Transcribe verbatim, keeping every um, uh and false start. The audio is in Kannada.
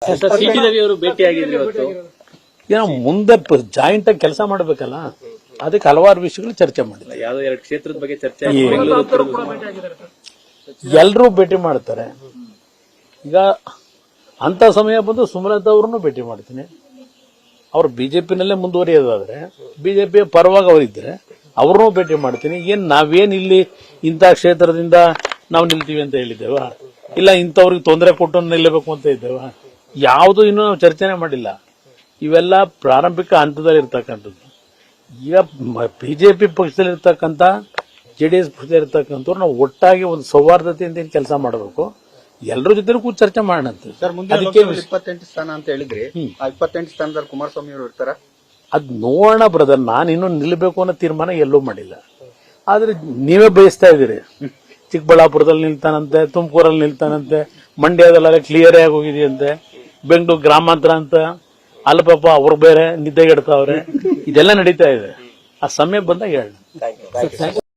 ಸಿಟಿ ರವಿ ಅವರು ಭೇಟಿಯಾಗಿದ್ರು ಇವತ್ತು. ಏನೋ ಮುಂದೆ ಜಾಯಿಂಟ್ ಆಗಿ ಕೆಲಸ ಮಾಡಬೇಕಲ್ಲ, ಅದಕ್ಕೆ ಹಲವಾರು ವಿಷಯಗಳು ಚರ್ಚೆ ಮಾಡಿಲ್ಲ. ಯಾವ್ದೋ ಎರಡು ಕ್ಷೇತ್ರದ ಬಗ್ಗೆ ಚರ್ಚೆ ಎಲ್ಲರೂ ಭೇಟಿ ಮಾಡ್ತಾರೆ. ಈಗ ಅಂತ ಸಮಯ ಬಂದು ಸುಮಲತಾ ಅವ್ರನ್ನು ಭೇಟಿ ಮಾಡ್ತೀನಿ. ಅವ್ರು ಬಿಜೆಪಿನಲ್ಲೇ ಮುಂದುವರಿಯೋದಾದ್ರೆ, ಬಿಜೆಪಿಯ ಪರವಾಗಿ ಅವರಿದ್ರೆ ಅವ್ರನ್ನೂ ಭೇಟಿ ಮಾಡ್ತೀನಿ. ಏನ್ ನಾವೇನ್ ಇಲ್ಲಿ ಇಂಥ ಕ್ಷೇತ್ರದಿಂದ ನಾವು ನಿಲ್ತೀವಿ ಅಂತ ಹೇಳಿದ್ದೇವ, ಇಲ್ಲ ಇಂಥವ್ರಿಗೆ ತೊಂದರೆ ಕೊಟ್ಟು ನಿಲ್ಲಬೇಕು ಅಂತ ಇದ್ದೇವ, ಯಾವುದು ಇನ್ನೂ ನಾವು ಚರ್ಚೆನೆ ಮಾಡಿಲ್ಲ. ಇವೆಲ್ಲ ಪ್ರಾರಂಭಿಕ ಹಂತದಲ್ಲಿ ಇರ್ತಕ್ಕಂಥದ್ದು. ಈಗ ಬಿಜೆಪಿ ಪಕ್ಷದಲ್ಲಿರ್ತಕ್ಕಂಥ ಜೆಡಿಎಸ್ ಪಕ್ಷದಲ್ಲಿರ್ತಕ್ಕಂಥವ್ರು ನಾವು ಒಟ್ಟಾಗಿ ಒಂದು ಸೌಹಾರ್ದತೆಯಿಂದ ಕೆಲಸ ಮಾಡಬೇಕು. ಎಲ್ಲರ ಜೊತೆ ಕೂಡ ಚರ್ಚೆ ಮಾಡೋಣ. ಅದಕ್ಕೆ ಇಪ್ಪತ್ತೆಂಟು ಸ್ಥಾನ ಅಂತ ಹೇಳಿದ್ರಿ, ಆ ಇಪ್ಪತ್ತೆಂಟು ಸ್ಥಾನದಲ್ಲಿ ಕುಮಾರಸ್ವಾಮಿ ಅವರು ಇರ್ತಾರ? ಅದ್ ನೋಡೋಣ ಬ್ರದರ್. ನಾನು ಇನ್ನೂ ನಿಲ್ಬೇಕು ಅನ್ನೋ ತೀರ್ಮಾನ ಎಲ್ಲೂ ಮಾಡಿಲ್ಲ. ಆದ್ರೆ ನೀವೇ ಬಯಸ್ತಾ ಇದ್ದೀರಿ, ಚಿಕ್ಕಬಳ್ಳಾಪುರದಲ್ಲಿ ನಿಲ್ತಾನಂತೆ, ತುಮಕೂರಲ್ಲಿ ನಿಲ್ತಾನಂತೆ, ಮಂಡ್ಯದಲ್ಲೆಲ್ಲ ಕ್ಲಿಯರ್ ಆಗಿ ಹೋಗಿದೆಯಂತೆ, ಬೆಂಗಳೂರು ಗ್ರಾಮಾಂತರ ಅಂತ ಅಲ್ಲಿ ಪಾಪ ಅವ್ರು ಬೇರೆ ನಿದ್ದೆಗೆಡ್ತಾವ್ರೆ. ಇದೆಲ್ಲ ನಡೀತಾ ಇದೆ. ಆ ಸಮಯ ಬಂದಾಗ ಹೇಳ.